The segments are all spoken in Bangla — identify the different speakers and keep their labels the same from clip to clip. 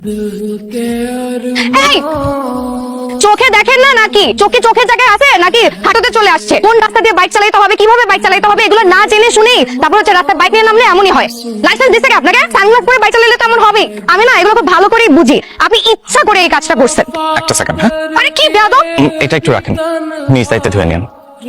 Speaker 1: এই চোখে দেখেন না নাকি? চোখের জায়গায় আছে নাকি হাঁটুতে চলে আসছে? কোন রাস্তা দিয়ে বাইক চালাতে হবে, কিভাবে বাইক চালাতে হবে, এগুলো না জেনে শুনেই তারপর হচ্ছে রাস্তায় বাইক নিয়ে নামলে এমনই হয়। লাইসেন্স দিছে কি আপনাকে? সানগ্লাস পরে বাইক চালালে তো এমন হবে। আমি না এগুলো খুব ভালো করেই বুঝি। আপনি ইচ্ছা করে এই কাজটা করছেন।
Speaker 2: একটা সেকেন্ড, হ্যাঁ
Speaker 1: আরে কি বেয়াদব!
Speaker 2: এটা একটু রাখেন, নিজ দায়িত্বে ধুয়ে নিন।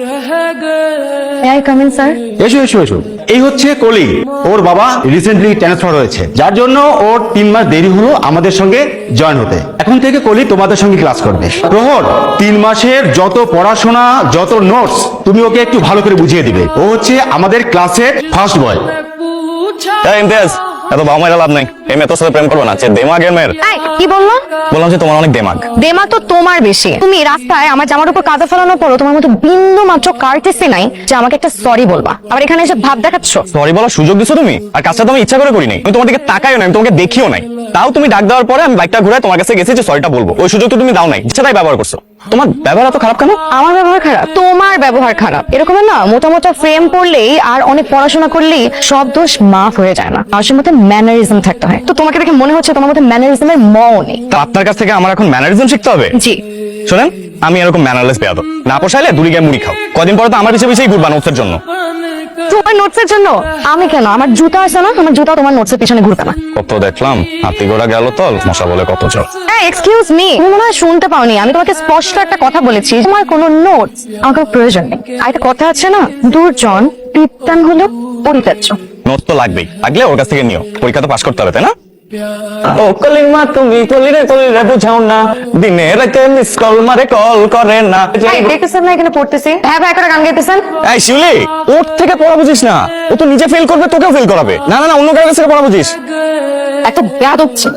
Speaker 1: এই কামিন স্যার।
Speaker 3: এসো এসো এসো। এই হচ্ছে কলি, ওর বাবা রিসেন্টলি ট্রান্সফার হয়েছে, যার জন্য ওর 3 মাস দেরি হলো আমাদের সঙ্গে জয়েন হতে। এখন থেকে কলি তোমাদের সঙ্গে ক্লাস করবে। প্রহর, 3 মাসের যত পড়াশোনা, যত নোটস তুমি ওকে একটু ভালো করে বুঝিয়ে দিবে। ও হচ্ছে আমাদের ক্লাসের ফার্স্ট বয়।
Speaker 2: এই ইমতিয়াজ, এত বাবা লাভ নাই। এই মেয়ে তোর সাথে প্রেম করবো না, যে দেমাগের মেয়ের।
Speaker 1: এই কি বললো?
Speaker 2: বললাম যে তোমার অনেক দেমাগ।
Speaker 1: দেমা তো তোমার বেশি। তুমি রাস্তায় আমার জামার উপর কাদা ফেলানোর পরও তোমার মতো বিন্দু মাত্র কার্টেসি নাই যে আমাকে একটা সরি বলবা। আবার এখানে এসে ভাব দেখাচ্ছ।
Speaker 2: সরি বলার সুযোগ দিছো তুমি, আর কাজটা তো আমি ইচ্ছা করে করি নাই। আমি তোমার দিকে তাকাইও নাই, আমি তোমাকে দেখিও নাই। তাও তুমি ডাক দেওয়ার পরে আমি বাইকটা ঘুরে তোমার কাছে গেছি যে সরিটা বলবো। ওই সুযোগ তো তুমি দাও নাই, ইচ্ছা তাই ব্যবহার করছো। তোমার ব্যবহার এত খারাপ কেন?
Speaker 1: আমার ব্যবহার খারাপ? তোমার ব্যবহার খারাপ। এরকমের না মোটামোটা ফ্রেম পড়লেই আর অনেক পড়াশোনা করলেই সব দোষ মাফ হয়ে যায় না। মানুষের মধ্যে ম্যানারিজম থাকতে হয়। তো তোমাকে দেখে মনে হচ্ছে তোমার মধ্যে ম্যানারিজমের মও নেই।
Speaker 2: তা আপনার কাছ থেকে আমার এখন ম্যানারিজম শিখতে হবে?
Speaker 1: জি।
Speaker 2: শোনেন, আমি এরকম ম্যানারলেস বেয়াদব না। পোষাইলে দূরে গিয়ে মুড়ি খাও। কদিন পরে তো আমার পিছিয়ে পিছিয়ে ঘুরবা নোটসের জন্য।
Speaker 1: তোমার নোটসের জন্য? আমি কেন? আমার জুতা আছে না, আমার জুতা তোমার নোটসের পিছনে ঘুরবে না।
Speaker 2: কত দেখলাম, হাতি ঘোড়া গেল তল, মশা বলে কত চল।
Speaker 1: এক্সকিউজ মি, তুমি মনে হয় শুনতে পাওনি। আমি তোমাকে স্পষ্ট একটা কথা বলেছি, তোমার কোনো নোটস আমার কোনো প্রয়োজন নেই। আর একটা কথা আছে না, দুর্জন পিত্তান হলো পরিত্যাজ্য।
Speaker 2: নোট তো লাগবেই, লাগলে ওর কাছ থেকে নিও। পরীক্ষা তো পাস করতে হবে, তাই না? ও কলিমা তুমি কলিরে বুঝাও না, দিনে রাতে মিস কল মারে কল করে না।
Speaker 1: দেখতেছেন না এখানে পড়তেছি? হ্যাঁ ভাই, একটা গান গাইতেছেন।
Speaker 2: এই শিউলি, ওর থেকে পড়া বুঝিস না। ও তো নিজে ফেল করবে, তোকেও ফেল করাবে। না না না, অন্য কারো কাছ থেকে পড়া বুঝিস।
Speaker 1: এত বেয়াদব ছিল।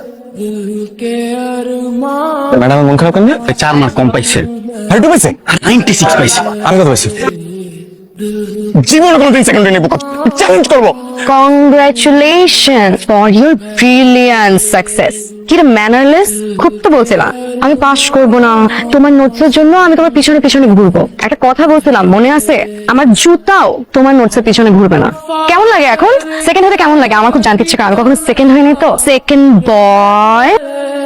Speaker 2: ম্যাডাম মন খারাপ কেন?
Speaker 3: 4 মার্ক কম পাইছে।
Speaker 2: আর একটু পাইছে?
Speaker 3: 96 পাইছে।
Speaker 2: আমি কত পাইছি? জীবনে কোনোদিন সেকেন্ডারি নেবো, চ্যালেঞ্জ করবো।
Speaker 1: Congratulation for your brilliant success. কি রে ম্যানারলেস, খুব তো বলছিলাম আমি পাস করবো না, তোমার নোটসের জন্য আমি তোমার পিছনে পিছনে ঘুরবো। একটা কথা বলছিলাম মনে আছে? আমার জুতাও তোমার নোটসের পিছনে ঘুরবে না। কেমন লাগে এখন? সেকেন্ড হতে কেমন লাগে আমার খুব জানতে ইচ্ছে, কারণ কখনো সেকেন্ড হয়নি তো। সেকেন্ড বয়।